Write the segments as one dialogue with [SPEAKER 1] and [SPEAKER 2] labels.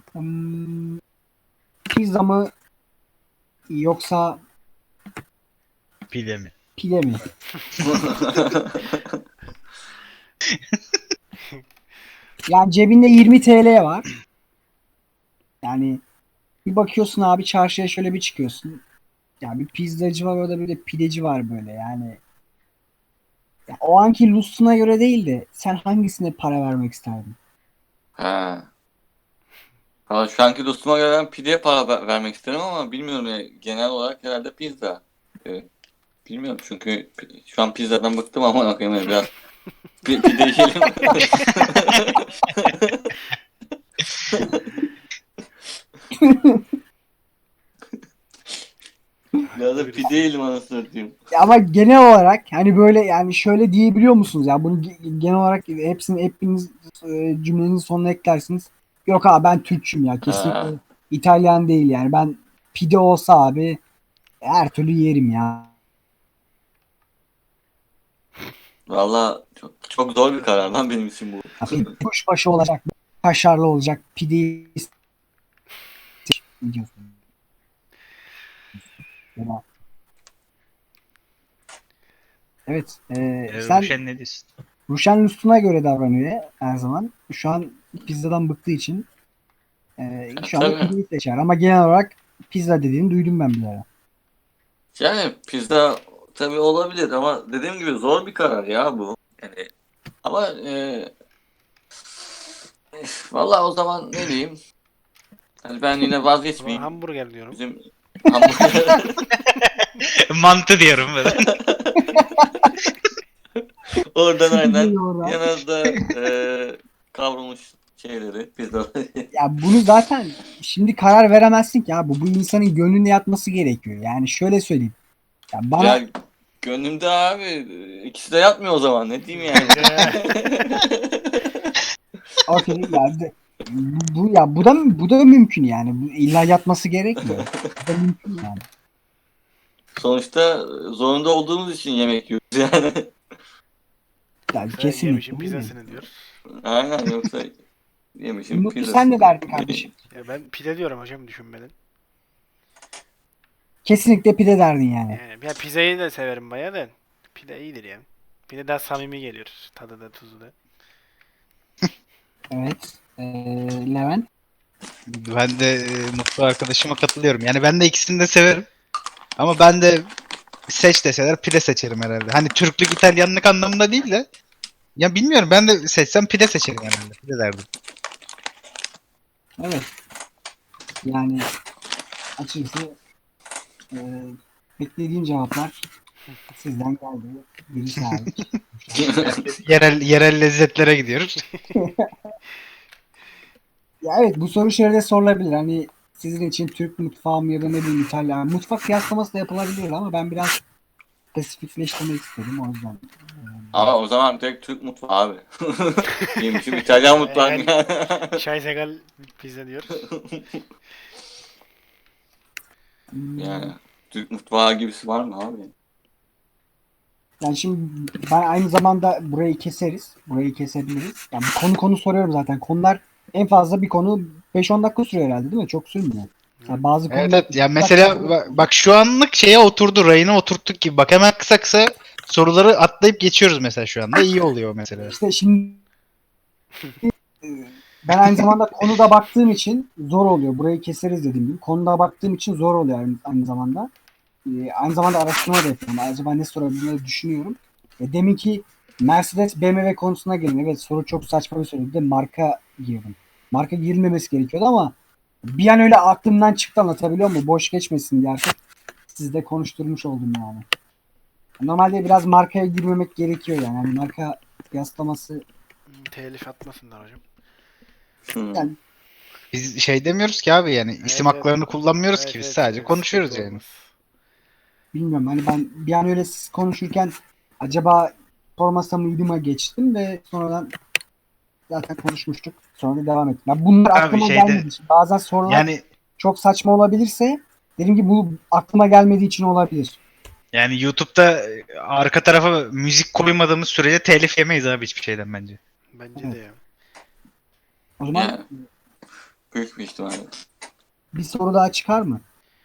[SPEAKER 1] Hmm, pizza mı yoksa
[SPEAKER 2] Pide mi?
[SPEAKER 1] pide mi? Yani cebinde 20 TL var. Yani bir bakıyorsun abi çarşıya şöyle bir çıkıyorsun. Ya bir pizzacı var orada bir de pideci var böyle yani. Ya o anki lustuna göre değil de sen hangisine para vermek isterdin?
[SPEAKER 3] Ha. Valla şu anki dostuma göre ben pideye para vermek isterim ama bilmiyorum ya. Genel olarak herhalde pizza. Bilmiyorum çünkü şu an pizzadan bıktım ama bakayım ya biraz pide yiyelim. Biraz
[SPEAKER 4] Haklı
[SPEAKER 3] da pide
[SPEAKER 4] birisi.
[SPEAKER 3] yiyelim anasını satayım.
[SPEAKER 1] Ya ama genel olarak hani böyle yani şöyle diyebiliyor musunuz ya bunu genel olarak hepiniz cümlenizin sonuna eklersiniz. Yok abi ben Türkçüm ya kesinlikle
[SPEAKER 3] Ha.
[SPEAKER 1] İtalyan değil yani ben pide olsa abi her türlü yerim ya.
[SPEAKER 3] Valla çok zor bir karar lan benim için bu.
[SPEAKER 1] Pide kuşbaşı olacak, kaşarlı olacak, pideyi diyorsun. Evet, sen
[SPEAKER 2] Ruşen ne diyorsun?
[SPEAKER 1] Ruşen Lustrum'a göre davranıyor her zaman. Şu an pizzadan bıktığı için şu anda
[SPEAKER 3] Tabii.
[SPEAKER 1] pideyi seçer. Ama genel olarak pizza dediğini duydum ben bir ara.
[SPEAKER 3] Yani pizza tabii olabilir ama dediğim gibi zor bir karar ya bu. Yani ama valla o zaman ne diyeyim? Hani ben yine
[SPEAKER 4] O zaman
[SPEAKER 3] vazgeçmeyeyim.
[SPEAKER 4] hamburger diyorum.
[SPEAKER 3] Bizim hamburger
[SPEAKER 2] Mantı diyorum ben.
[SPEAKER 3] oradan aynen
[SPEAKER 1] Gidiyor oradan.
[SPEAKER 3] yanında kavrulmuş şeyleri, pizzaları.
[SPEAKER 1] Ya bunu zaten şimdi karar veremezsin ki abi. Bu insanın gönlünde yatması gerekiyor. Yani şöyle söyleyeyim. Ya bana
[SPEAKER 3] Ya gönlümde abi ikisi de yatmıyor o zaman ne diyeyim yani.
[SPEAKER 1] okey ya bu da mümkün yani. Bu illa yatması gerekmiyor. Bu da mümkün yani.
[SPEAKER 3] Sonuçta zorunda olduğumuz için yemek yiyoruz yani.
[SPEAKER 1] Yani
[SPEAKER 4] Yoksa yemişin
[SPEAKER 1] kesinlikle öyle.
[SPEAKER 4] pizzasını diyor.
[SPEAKER 3] Aynen yoksa yemişim
[SPEAKER 1] Mutlu sen ne
[SPEAKER 3] pizzasını.
[SPEAKER 1] derdin kardeşim?
[SPEAKER 4] Ya ben pide diyorum hocam düşünmeden.
[SPEAKER 1] Kesinlikle pide derdin yani.
[SPEAKER 4] Yani ya pizzayı da severim bayağı da. Pide iyidir ya. Pide daha samimi geliyor. Tadı da tuzu da.
[SPEAKER 1] Evet. Levent.
[SPEAKER 2] Ben de mutlu arkadaşıma katılıyorum. Yani ben de ikisini de severim. Ama ben de seç deseler pide seçerim herhalde. Hani Türklük, İtalyanlık anlamında değil de. Ya bilmiyorum ben de seçsem pide seçerim herhalde. Pide derdim.
[SPEAKER 1] Evet. Yani açıkçası e, beklediğim cevaplar sizden geldi. Birisi hariç.
[SPEAKER 2] Yerel lezzetlere gidiyoruz.
[SPEAKER 1] Ya evet bu soru şöyle sorulabilir. Hani sizin için Türk mutfağı mı ya da ne bileyim İtalyan. Mutfak kıyaslaması da yapılabilir ama ben biraz spesifikleştirmek istedim o yüzden.
[SPEAKER 3] Ama o zaman direkt Türk mutfağı abi. Yemişim İtalyan mutfağı.
[SPEAKER 4] Eğer Şay Segal pizza diyoruz.
[SPEAKER 1] Hmm,
[SPEAKER 3] Yani Türk mutfağı gibisi var mı abi?
[SPEAKER 1] Yani şimdi ben aynı zamanda burayı keseriz. Burayı kesebiliriz. Yani konu soruyorum zaten. Konular en fazla bir konu 5-10 dakika sürüyor herhalde değil mi? Çok sürmüyor.
[SPEAKER 4] Evet.
[SPEAKER 1] Mesela bazı
[SPEAKER 2] Evet
[SPEAKER 1] konular
[SPEAKER 2] evet. Ya
[SPEAKER 1] 2 dakika
[SPEAKER 2] mesela bak şu anlık şeye oturdu. Rayına oturttuk gibi. Bak hemen kısa kısa soruları atlayıp geçiyoruz mesela şu anda. İyi oluyor mesela.
[SPEAKER 1] işte şimdi e, ben aynı zamanda konuda baktığım için zor oluyor. Burayı keseriz dediğim gibi. Konuda baktığım için zor oluyor aynı zamanda. Aynı zamanda araştırma da yapıyorum. Acaba ne sorabilirim düşünüyorum. Deminki Mercedes BMW konusuna gelin. Evet soru çok saçma bir soru. Bir de marka girdim. Marka girilmemesi gerekiyordu ama bir an öyle aklımdan çıktı anlatabiliyor muyum? Boş geçmesin diye artık sizde konuşturmuş oldum yani. Normalde biraz markaya girmemek gerekiyor yani. Yani marka kıyaslaması
[SPEAKER 4] Telif atmasınlar hocam.
[SPEAKER 3] Hmm.
[SPEAKER 1] yani
[SPEAKER 2] Biz şey demiyoruz ki abi yani isim
[SPEAKER 4] Evet evet.
[SPEAKER 2] haklarını kullanmıyoruz
[SPEAKER 4] Evet
[SPEAKER 2] ki biz
[SPEAKER 4] evet
[SPEAKER 2] sadece
[SPEAKER 4] evet.
[SPEAKER 2] konuşuyoruz
[SPEAKER 4] Sıkıntı
[SPEAKER 2] yani.
[SPEAKER 4] olmaz.
[SPEAKER 1] bilmiyorum hani ben bir an öyle siz konuşurken acaba sormasa mıydıma geçtim ve sonradan zaten konuşmuştuk. Sonra da devam ettim. Ya bunlar
[SPEAKER 2] Abi
[SPEAKER 1] aklıma
[SPEAKER 2] şeyde
[SPEAKER 1] gelmediği için. Bazen sorular
[SPEAKER 2] yani
[SPEAKER 1] çok saçma olabilirse dedim ki bu aklıma gelmediği için olabilir.
[SPEAKER 2] YouTube'da arka tarafa müzik koymadığımız sürece telif yemeyiz abi hiçbir şeyden bence.
[SPEAKER 4] Bence de
[SPEAKER 1] Evet.
[SPEAKER 4] ya.
[SPEAKER 1] O zaman
[SPEAKER 3] Yani Büyük bir ihtimalle.
[SPEAKER 1] Bir soru daha çıkar mı?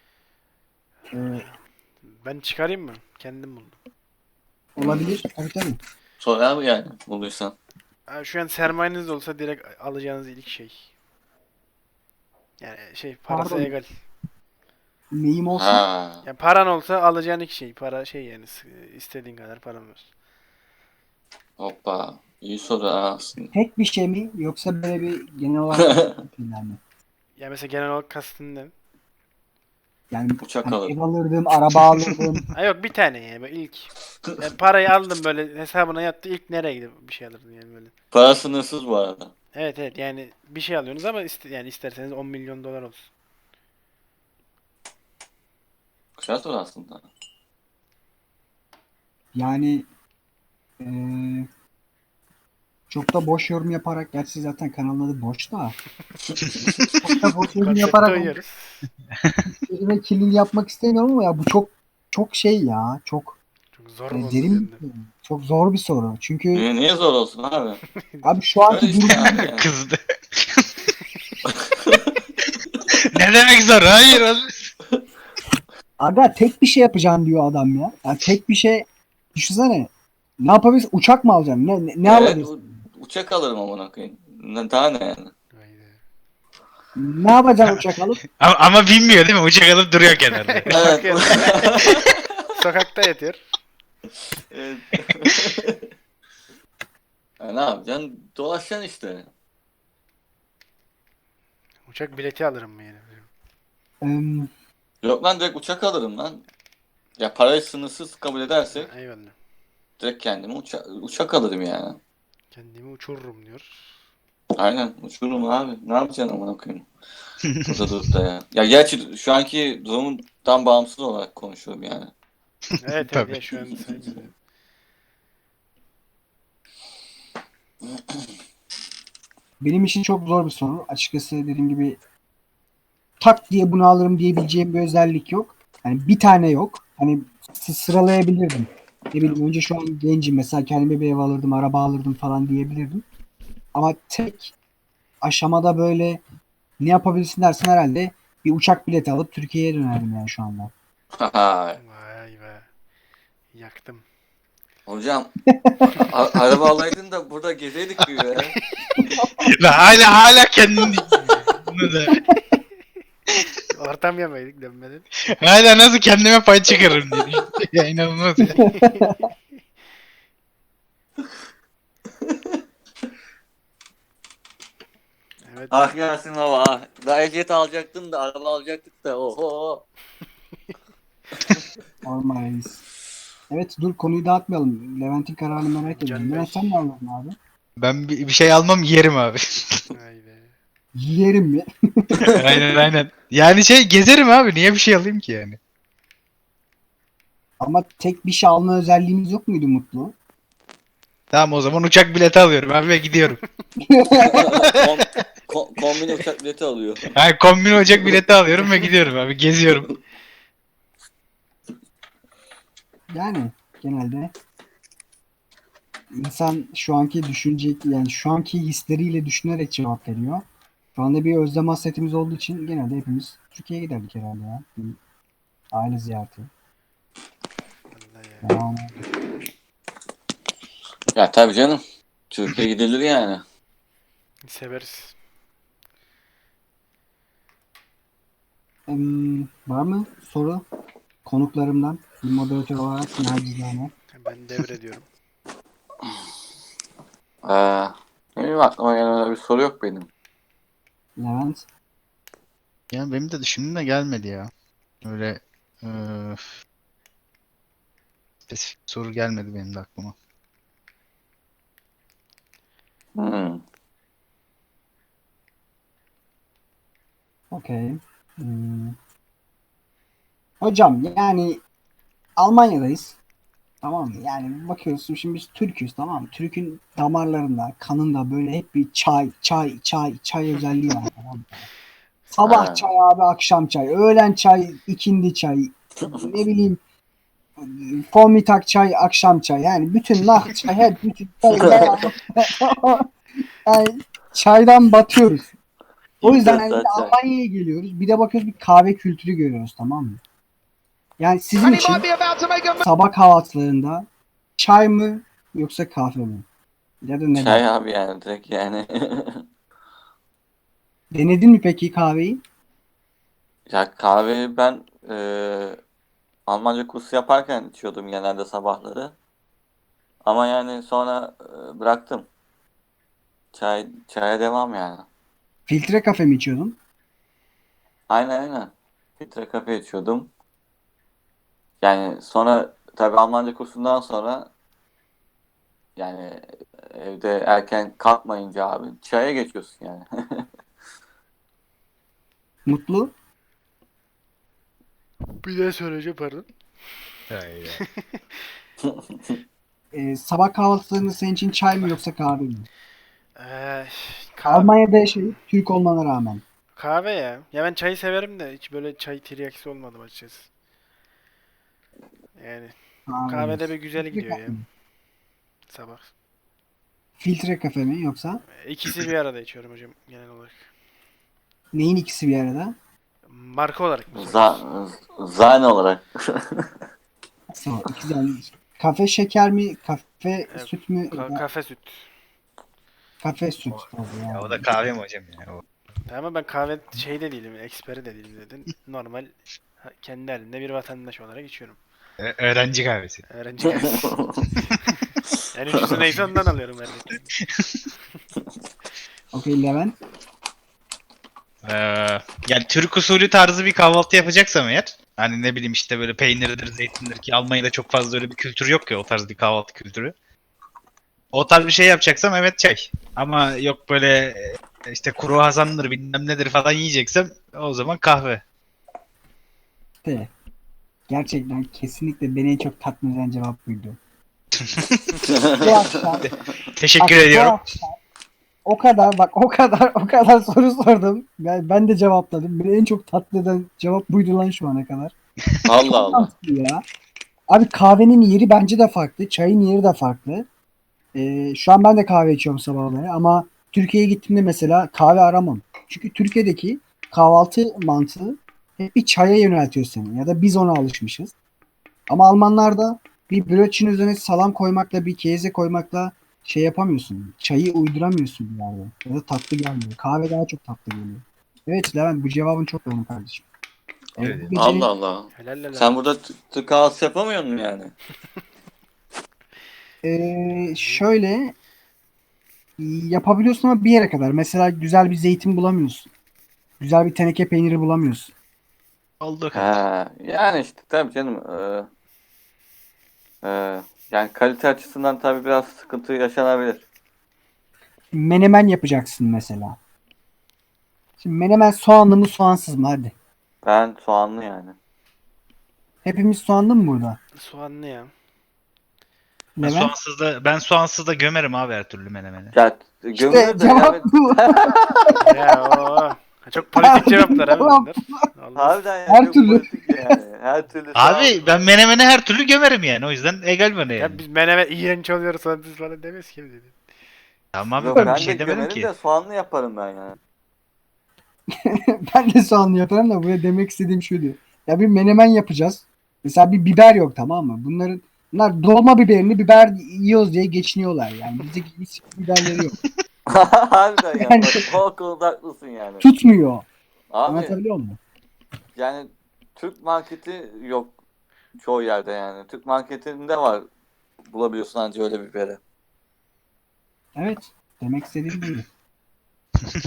[SPEAKER 4] Ben çıkarayım mı? Kendim buldum.
[SPEAKER 1] Olabilir. Tabii tabii.
[SPEAKER 3] Sor abi yani bulduysan.
[SPEAKER 4] Ha, şu an sermayeniz olsa direkt alacağınız ilk şey. Yani parası
[SPEAKER 1] Pardon.
[SPEAKER 4] egal.
[SPEAKER 1] Neyim olsun?
[SPEAKER 3] Ha.
[SPEAKER 4] Yani paran olsa alacağın ilk şey. Para yani istediğin kadar paran var.
[SPEAKER 3] Hoppa. İyi soru ha aslında.
[SPEAKER 1] Tek bir şey mi yoksa böyle bir genel olarak şeyler mi?
[SPEAKER 4] Ya mesela genel olarak kastın ne?
[SPEAKER 1] Yani
[SPEAKER 3] Uçak
[SPEAKER 1] hani
[SPEAKER 3] alırım.
[SPEAKER 1] ev alırdım, araba alırdım.
[SPEAKER 4] Ha yok bir tane yani böyle ilk. Yani parayı aldım böyle hesabına yattı ilk nereye gidip bir şey alırdın yani böyle.
[SPEAKER 3] Para sınırsız bu arada.
[SPEAKER 4] Evet evet yani bir şey alıyorsunuz ama yani isterseniz 10 milyon dolar olsun.
[SPEAKER 3] Güzel soru aslında.
[SPEAKER 1] Yani çok da boş yorum yaparak, gerçi zaten kanalın adı boş da. Çok da boş yorum
[SPEAKER 4] Konsepte
[SPEAKER 1] yaparak
[SPEAKER 4] uyuyoruz.
[SPEAKER 1] elime killing yapmak istemiyorum ama ya bu çok şey ya. Çok
[SPEAKER 4] Çok zor oldu
[SPEAKER 1] derin,
[SPEAKER 4] sende.
[SPEAKER 1] çok zor bir soru. Çünkü
[SPEAKER 3] Niye zor olsun abi?
[SPEAKER 1] abi şu anki
[SPEAKER 3] Öyle işte
[SPEAKER 1] durum
[SPEAKER 3] abi yani.
[SPEAKER 2] Kızdı. Ne demek zor? Hayır oğlum.
[SPEAKER 1] aga tek bir şey yapacağım diyor adam ya. Ya tek bir şey düşünsene. Ne yapabilirsin? Uçak mı alacaksın? Ne
[SPEAKER 3] Evet,
[SPEAKER 1] alabilirsin?
[SPEAKER 3] uçak alırım amına koyayım. Daha ne yani?
[SPEAKER 4] Haydi.
[SPEAKER 1] Ne yapacaksın uçak alıp?
[SPEAKER 2] Ama bilmiyor değil mi? Uçak alıp duruyor kenarda.
[SPEAKER 3] Evet.
[SPEAKER 4] Bakıyor. Sokakta yatıyor.
[SPEAKER 3] Evet. Ya ne yapacaksın? Dolaşacaksın işte.
[SPEAKER 4] Uçak bileti alırım mı yani?
[SPEAKER 1] Em,
[SPEAKER 3] Yok lan direkt uçak alırım lan. Ya parayı sınırsız kabul edersek
[SPEAKER 4] Eyvallah.
[SPEAKER 3] direkt kendime uçak alırım yani.
[SPEAKER 4] Kendimi uçururum diyor.
[SPEAKER 3] Aynen uçururum abi. Ne yapacaksın amına koyayım? Burada durup da ya. Ya gerçi şu anki durumdan bağımsız olarak konuşuyorum yani.
[SPEAKER 4] Evet evet
[SPEAKER 2] Tabii.
[SPEAKER 4] ya şu an saymıyorum.
[SPEAKER 1] benim için çok zor bir soru. Açıkçası dediğim gibi tak diye bunu alırım diyebileceğim bir özellik yok. Hani bir tane yok. Hani sıralayabilirdim. Ne bileyim önce şu an gencim mesela kendime bir ev alırdım, araba alırdım falan diyebilirdim. Ama tek aşamada böyle ne yapabilirsin dersen herhalde bir uçak bileti alıp Türkiye'ye dönerdim yani şu anda.
[SPEAKER 4] Vay be. Yaktım.
[SPEAKER 3] Hocam araba alaydın da burada gezeydik bir ya.
[SPEAKER 2] Ve hala kendini bunu da.
[SPEAKER 4] Ortam yemedik dönmeden.
[SPEAKER 2] Hala nasıl kendime pay çıkarırım diye düşünüyorum. Ya inanılmaz ya.
[SPEAKER 4] Evet.
[SPEAKER 3] Ah Yasin baba ah. Daha ehliyet alacaktın da araba alacaktık da oho.
[SPEAKER 1] Normal reis. Evet dur konuyu dağıtmayalım. Levent'in kararını merak ediyorum.
[SPEAKER 4] Can Bey.
[SPEAKER 1] Levent sen ne alırdın abi?
[SPEAKER 2] Ben bir şey almam yerim abi.
[SPEAKER 4] Vay be.
[SPEAKER 1] Yerim mi?
[SPEAKER 2] Aynen. Yani gezerim abi. Niye bir şey alayım ki yani?
[SPEAKER 1] Ama tek bir şey alma özelliğimiz yok muydu Mutlu?
[SPEAKER 2] Tamam o zaman uçak bileti alıyorum abi ve gidiyorum.
[SPEAKER 3] Kombine uçak bileti alıyor.
[SPEAKER 2] Yani kombin uçak bileti alıyorum ve gidiyorum abi. Geziyorum.
[SPEAKER 1] Yani genelde insan şu anki yani şu anki hisleriyle düşünerek cevap veriyor. Şu anda bir özlem hasretimiz olduğu için genelde hepimiz Türkiye'ye giderdik herhalde ya. Bir aile ziyareti.
[SPEAKER 4] Vallahi ya.
[SPEAKER 1] Yani,
[SPEAKER 3] Ya tabii canım. Türkiye gidilir yani.
[SPEAKER 4] Severiz.
[SPEAKER 1] var mı soru konuklarımdan bir moderatör olarak nacizane?
[SPEAKER 4] Ben devrediyorum.
[SPEAKER 3] Benim aklıma gelen öyle bir soru yok benim.
[SPEAKER 1] Levent.
[SPEAKER 2] Yani benim de düşündüğüm de gelmedi ya. Öyle spesifik bir soru gelmedi benim de aklıma.
[SPEAKER 3] Hmm.
[SPEAKER 1] Okey. Hocam yani Almanya'dayız. Tamam mı? Yani bakıyorsun şimdi biz Türk'üz tamam mı? Türk'ün damarlarında, kanında böyle hep bir çay özelliği var tamam mı? Sabah
[SPEAKER 3] Ha.
[SPEAKER 1] çay abi, akşam çay, öğlen çay, ikindi çay, ne bileyim Formitak çay, akşam çay. Yani bütün nah çay, bütün çay. Yani çaydan batıyoruz. O yüzden
[SPEAKER 3] İmdat
[SPEAKER 1] hani
[SPEAKER 3] çay.
[SPEAKER 1] Almanya'ya geliyoruz. Bir de bakıyoruz bir kahve kültürü görüyoruz, tamam mı? Yani sizin için sabah kahvaltılarında çay mı yoksa kahve mi? Ya da neden?
[SPEAKER 3] Çay abi yani direkt yani.
[SPEAKER 1] Denedin mi peki kahveyi?
[SPEAKER 3] Ya kahveyi ben Almanca kursu yaparken içiyordum genelde sabahları. Ama yani sonra bıraktım. Çaya devam yani.
[SPEAKER 1] Filtre kafe mi içiyordun?
[SPEAKER 3] Aynen. Filtre kafe içiyordum. Yani sonra tabii Almanca kursundan sonra yani evde erken kalkmayınca abi çaya geçiyorsun yani.
[SPEAKER 1] Mutlu?
[SPEAKER 4] Bir de söyleyeceğim pardon.
[SPEAKER 1] Sabah kahvaltılarında senin için çay mı yoksa kahve mi?
[SPEAKER 4] Ee, kahve,
[SPEAKER 1] Almanya'da yaşayıp Türk olmana rağmen.
[SPEAKER 4] kahve ya. Ya ben çayı severim de hiç böyle çay tiryakisi olmadım açıkçası. Yani
[SPEAKER 1] Kahve
[SPEAKER 4] kahvede
[SPEAKER 1] diyorsun.
[SPEAKER 4] bir güzel
[SPEAKER 1] Filtre
[SPEAKER 4] gidiyor
[SPEAKER 1] kafe
[SPEAKER 4] ya
[SPEAKER 1] mi?
[SPEAKER 4] sabah.
[SPEAKER 1] Filtre kafe mi yoksa?
[SPEAKER 4] İkisi bir arada içiyorum hocam genel olarak.
[SPEAKER 1] Neyin ikisi bir arada?
[SPEAKER 4] Marka olarak mı
[SPEAKER 3] Za
[SPEAKER 4] soruyorsun?
[SPEAKER 3] Zane olarak.
[SPEAKER 1] Nasıl? İkisi yani kafe şeker mi? Kafe
[SPEAKER 4] Ee,
[SPEAKER 1] süt mü? Ya da
[SPEAKER 4] kafe süt.
[SPEAKER 1] kafe süt
[SPEAKER 2] O,
[SPEAKER 1] tabii
[SPEAKER 2] ya o
[SPEAKER 1] yani.
[SPEAKER 2] da kahve mi hocam ya? O.
[SPEAKER 4] Ama ben kahve şey de değilim, eksperi de değilim dedin. Normal kendi halinde bir vatandaş olarak içiyorum.
[SPEAKER 2] Öğrenci kahvesi.
[SPEAKER 4] Öğrenci kahvesi. En ucuzu neyse ondan alıyorum her gün.
[SPEAKER 1] Okey Levent.
[SPEAKER 2] Ee, Yani Türk usulü tarzı bir kahvaltı yapacaksam eğer, hani ne bileyim işte böyle peynirdir, zeytindir, ki Almanya'da çok fazla öyle bir kültür yok ya, o tarz bir kahvaltı kültürü. O tarz bir şey yapacaksam evet çay. Ama yok böyle işte kuru hasandır bilmem nedir falan yiyeceksem o zaman kahve.
[SPEAKER 1] De. Gerçekten kesinlikle beni en çok tatmin eden cevap buydu. Bu akşam,
[SPEAKER 2] Teşekkür
[SPEAKER 1] bak, bu
[SPEAKER 2] ediyorum.
[SPEAKER 1] akşam o kadar soru sordum. Ben de cevapladım. Beni en çok tatmin eden cevap buydu lan şu ana kadar.
[SPEAKER 3] Allah
[SPEAKER 1] Çok
[SPEAKER 3] Allah.
[SPEAKER 1] mantıklı ya. Abi kahvenin yeri bence de farklı. Çayın yeri de farklı. Şu an ben de kahve içiyorum sabahları ama Türkiye'ye gittiğimde mesela kahve aramam. Çünkü Türkiye'deki kahvaltı mantığı hep bir çaya yöneltiyor seni. Ya da biz ona alışmışız. Ama Almanlarda bir brötchen üzerine salam koymakla bir keze koymakla şey yapamıyorsun. Çayı uyduramıyorsun bir yerde. Ya da tatlı gelmiyor. Kahve daha çok tatlı geliyor. Evet Levent, bu cevabın çok doğru kardeşim.
[SPEAKER 2] Evet.
[SPEAKER 1] Bu
[SPEAKER 3] Allah
[SPEAKER 1] gecenin
[SPEAKER 3] Allah.
[SPEAKER 4] Helal helal.
[SPEAKER 3] Sen burada Türk kahvaltısı yapamıyor musun yani?
[SPEAKER 1] şöyle yapabiliyorsun ama bir yere kadar. Mesela güzel bir zeytin bulamıyorsun. Güzel bir teneke peyniri bulamıyorsun.
[SPEAKER 2] Olduğu
[SPEAKER 3] He,
[SPEAKER 2] kadar.
[SPEAKER 3] yani işte tabii canım. Yani kalite açısından tabii biraz sıkıntı yaşanabilir.
[SPEAKER 1] Menemen yapacaksın mesela. Şimdi menemen soğanlı mı soğansız mı? Hadi.
[SPEAKER 3] Ben soğanlı yani.
[SPEAKER 1] Hepimiz soğanlı mı burada?
[SPEAKER 4] Soğanlı ya.
[SPEAKER 1] Levent?
[SPEAKER 2] Ben soğansız da gömerim abi her türlü menemeni.
[SPEAKER 3] Ya
[SPEAKER 1] İşte
[SPEAKER 3] gömülür de
[SPEAKER 1] cevap
[SPEAKER 3] yani
[SPEAKER 1] bu.
[SPEAKER 4] Ya o. Çok politik cevaplar abi
[SPEAKER 1] Cevap.
[SPEAKER 4] bunlar. Allah.
[SPEAKER 3] harbiden ya
[SPEAKER 1] Her
[SPEAKER 3] çok
[SPEAKER 1] türlü.
[SPEAKER 3] politik yani. Her türlü
[SPEAKER 2] Abi ben
[SPEAKER 3] soğanlı.
[SPEAKER 2] menemeni her türlü gömerim yani. O yüzden egal bana
[SPEAKER 4] Ya
[SPEAKER 2] yani.
[SPEAKER 4] biz menemen iğrenç oluyoruz soğansız falan demeyiz ki dedi.
[SPEAKER 2] Tamam abi
[SPEAKER 3] Yok
[SPEAKER 2] ben bir
[SPEAKER 3] ben de
[SPEAKER 2] şey demedim
[SPEAKER 3] gömerim
[SPEAKER 2] ki.
[SPEAKER 3] de soğanlı yaparım ben yani.
[SPEAKER 1] Ben de soğanlı yaparım da buraya demek istediğim şuydu. Ya bir menemen yapacağız. Mesela bir biber yok, tamam mı? Bunlar dolma biberini biber yiyoruz diye geçiniyorlar yani. Bizde hiç biberleri yok.
[SPEAKER 3] Harbiden ya.
[SPEAKER 1] Yani
[SPEAKER 3] O konuda haklısın yani.
[SPEAKER 1] tutmuyor.
[SPEAKER 3] Abi
[SPEAKER 1] Anlatabiliyor muyum?
[SPEAKER 3] yani Türk marketi yok çoğu yerde yani. Türk marketinde var bulabiliyorsun anca öyle biberi.
[SPEAKER 1] Evet. Demek istediğim buydu.